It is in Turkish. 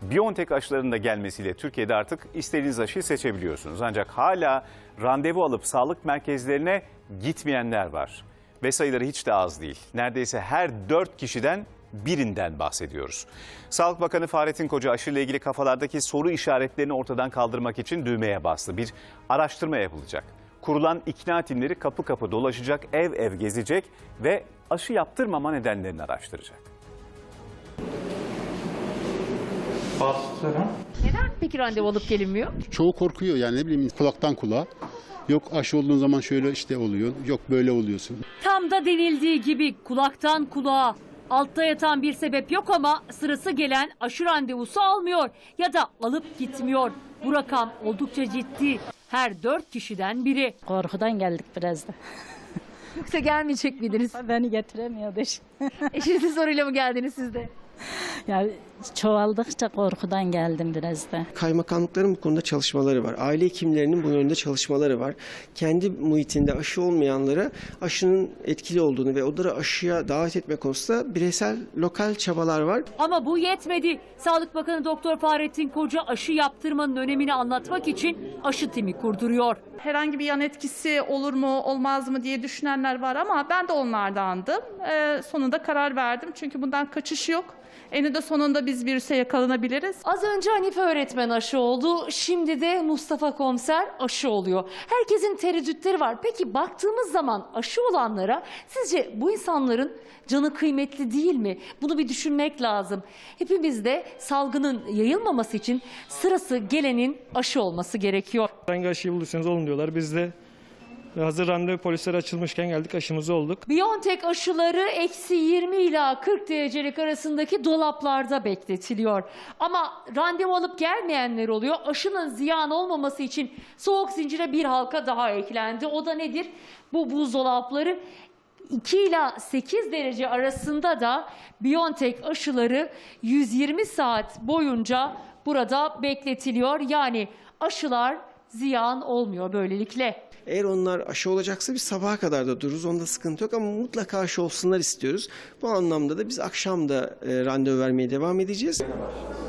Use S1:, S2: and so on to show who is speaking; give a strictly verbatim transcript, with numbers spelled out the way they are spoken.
S1: BioNTech aşılarının da gelmesiyle Türkiye'de artık istediğiniz aşıyı seçebiliyorsunuz. Ancak hala randevu alıp sağlık merkezlerine gitmeyenler var. Ve sayıları hiç de az değil. Neredeyse her dört kişiden birinden bahsediyoruz. Sağlık Bakanı Fahrettin Koca aşıyla ilgili kafalardaki soru işaretlerini ortadan kaldırmak için düğmeye bastı. Bir araştırma yapılacak. Kurulan ikna timleri kapı kapı dolaşacak, ev ev gezecek ve aşı yaptırmama nedenlerini araştıracak.
S2: Neden peki randevu alıp gelinmiyor?
S3: Çoğu korkuyor yani, ne bileyim, kulaktan kulağa. Yok aşı olduğun zaman şöyle işte oluyor, yok böyle oluyorsun.
S2: Tam da denildiği gibi kulaktan kulağa. Altta yatan bir sebep yok ama sırası gelen aşı randevusu almıyor ya da alıp gitmiyor. Bu rakam oldukça ciddi. Her dört kişiden biri.
S4: Korkudan geldik biraz da.
S2: Yoksa gelmeyecek miydiniz?
S4: Beni getiremiyordu iş.
S2: Eşinizin soruyla mı geldiniz siz de?
S4: Yani çoğaldıkça korkudan geldim biraz da.
S5: Kaymakamlıkların bu konuda çalışmaları var. Aile hekimlerinin bu yönde çalışmaları var. Kendi muhitinde aşı olmayanlara aşının etkili olduğunu ve onları aşıya davet etme konusunda bireysel, lokal çabalar var.
S2: Ama bu yetmedi. Sağlık Bakanı Doktor Fahrettin Koca aşı yaptırmanın önemini anlatmak için aşı timi kurduruyor.
S6: Herhangi bir yan etkisi olur mu olmaz mı diye düşünenler var ama ben de onlardandım. Ee, sonunda karar verdim çünkü bundan kaçış yok. Eninde sonunda biz virüse yakalanabiliriz.
S2: Az önce Hanife öğretmen aşı oldu. Şimdi de Mustafa komiser aşı oluyor. Herkesin tereddütleri var. Peki baktığımız zaman aşı olanlara sizce bu insanların canı kıymetli değil mi? Bunu bir düşünmek lazım. Hepimiz de salgının yayılmaması için sırası gelenin aşı olması gerekiyor.
S7: Hangi aşıyı bulursanız olun diyorlar. Biz de hazır randevu polisleri açılmışken geldik, aşımızı olduk.
S2: BioNTech aşıları eksi yirmi ila kırk derecelik arasındaki dolaplarda bekletiliyor. Ama randevu alıp gelmeyenler oluyor. Aşının ziyan olmaması için soğuk zincire bir halka daha eklendi. O da nedir? Bu buzdolapları. iki ila sekiz derece arasında da BioNTech aşıları yüz yirmi saat boyunca burada bekletiliyor. Yani aşılar ziyan olmuyor böylelikle.
S5: Eğer onlar aşı olacaksa biz sabaha kadar da dururuz. Onda sıkıntı yok ama mutlaka aşı olsunlar istiyoruz. Bu anlamda da biz akşam da e, randevu vermeye devam edeceğiz.